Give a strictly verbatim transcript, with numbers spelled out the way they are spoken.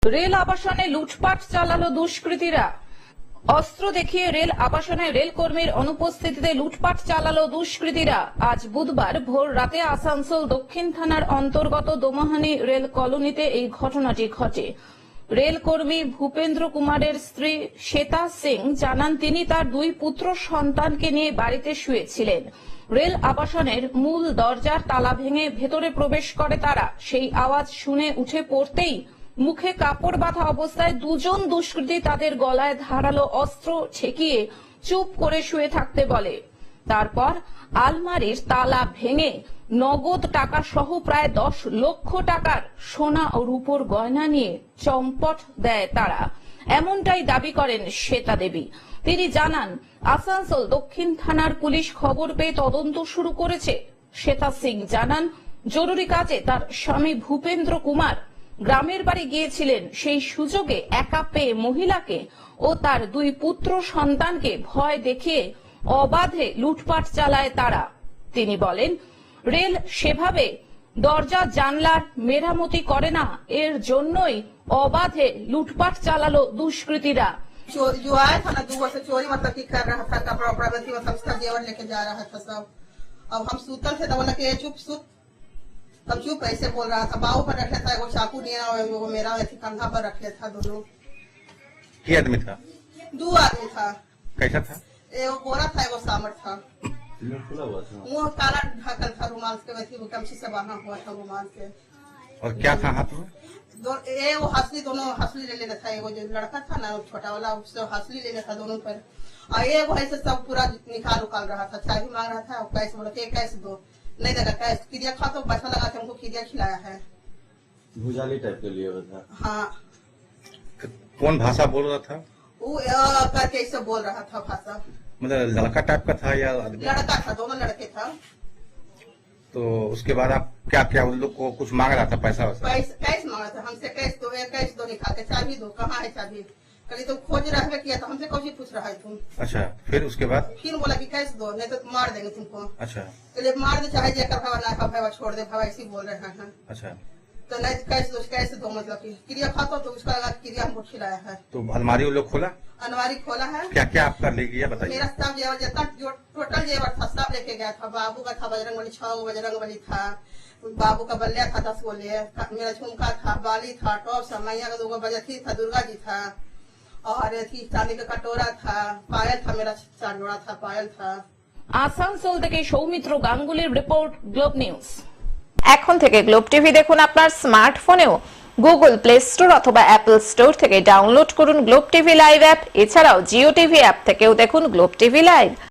Rail আবাসনে লুটপাট চালালো দুষ্কৃতীরা। অস্ত্র দেখিয়ে রেল আবাসনে রেল কর্মীর অনুপস্থিতিতে লুটপাট চালালো দুষ্কৃতীরা। আজ বুধবার ভোর রাতে আসানসোল দক্ষিণ থানার অন্তর্গত দোমাহানি রেল কলোনিতে এই ঘটনাটি ঘটে। রেল কর্মী ভূপেন্দ্র কুমারের স্ত্রী শ্বেতা সিং জানান, তিনি তার দুই পুত্র সন্তানকে নিয়ে বাড়িতে শুয়েছিলেন। রেল আবাসনের মূল দরজার তালা ভেঙে ভেতরে প্রবেশ করে তারা। সেই আওয়াজ শুনে উঠে পড়তেই মুখে কাপড় বাঁধা অবস্থায় দুজন দুষ্কৃতী তাদের গলায় ধারালো অস্ত্র ঠেকিয়ে চুপ করে শুয়ে থাকতে বলে। তারপর আলমারির তালা ভেঙে নগদ টাকা সহ প্রায় দশ লক্ষ টাকার সোনা ও রূপোর গয়না নিয়ে চম্পট দেয় তারা। এমনটাই দাবি করেন শ্বেতা দেবী। তিনি জানান, আসানসোল দক্ষিণ থানার পুলিশ খবর পেয়ে তদন্ত শুরু করেছে। শ্বেতা সিং জানান, জরুরি কাজে তার স্বামী ভূপেন্দ্র কুমার গ্রামের বাড়ি গিয়েছিলেন। সেই সুযোগে একা পেয়ে মহিলাকে ও তার দুই পুত্র সন্তানকে ভয় দেখিয়ে অবাধে লুটপাট চালায় তারা। তিনি বলেন, রেল সেভাবে দরজা জানলার মেরামতি করে না, এর জন্যই অবাধে লুটপাট চালালো দুষ্কৃতীরা। जो आया था ना दुआ से चोरी मतलब की कर रहा था, कपड़ा उपड़ा बत्ती मतलब उसका जेवर लेके जा रहा था सब। अब हम सूतल थे तो बोला कि चुप सुत, तब चुप ऐसे बोल रहा था। बाहू पर रखे था, वो चाकू लिया वो मेरा कंधा पर रखे था दोनों। क्या आदमी था? दो आदमी था। कैसा था? एगो गोरा था, एगो सामर था। मुंह काला ढकल था, रुमाल के वैसे गमछी से बांधा हुआ था रुमाल से। और क्या था हाथ में? दो ए वो हंसली, दोनों हंसली ले लेना था। एगो जो लड़का था ना छोटा वाला, उससे हंसली लेना था दोनों पर। और एगो ऐसे सब पूरा निकाल उकाल रहा था, चाय भी मांग रहा था। कैश बोला कि कैश दो, नहीं देगा कैश। किरिया खा तो पैसा लगा के हमको किरिया खिलाया है। भुजाली टाइप के लिए था। हाँ, कौन भाषा बोल रहा था? वो अ, करके ऐसे बोल रहा था भाषा। मतलब लड़का टाइप का था या आदमी? लड़का था, दोनों लड़के था। तो उसके बाद आप क्या क्या उन लोग को कुछ मांग रहा था, पैसा वैसा? कैश कैश मांगा था हमसे, कैश दो, एक कैश दो निकाल के। चाबी दो, कहाँ है चाबी? कभी तुम खोज रहे किया था, हमसे कौन पूछ रहा है तुम? अच्छा, फिर उसके बाद? फिर बोला कि कैश दो, नहीं तो मार देंगे तुमको। अच्छा चलिए मार दे, चाहे जेकर भावा ना खा भावा छोड़ दे भावा, ऐसे बोल रहे हैं। अच्छा, तो नहीं कैश दो, कैश दो मतलब कि क्रिया खाता तो उसका लगा क्रिया हमको खिलाया है। तो अलमारी वो लोग खोला? अनवारी खोला है। क्या क्या आपका ले गया बताइए। मेरा सब जेवर जितना जो टोटल जेवर था सब लेके गया था। बाबू का था बजरंग बली, छह गो बजरंग बली था। बाबू का बल्लिया था दस गो ले। मेरा झुमका था, बाली था, टॉप था, मैया का दो गो बजथी था, दुर्गा जी था। और थी चांदी का कटोरा था, पायल था, मेरा चार जोड़ा था पायल था। আসানসোল থেকে সৌমিত্র গাঙ্গুলির রিপোর্ট, গ্লোব নিউজ। এখন থেকে গ্লোব টিভি দেখুন আপনার স্মার্টফোনেও। গুগল প্লে স্টোর অথবা অ্যাপল স্টোর থেকে ডাউনলোড করুন গ্লোব টিভি লাইভ অ্যাপ। এছাড়াও জিও টিভি অ্যাপ থেকেও দেখুন গ্লোব টিভি লাইভ।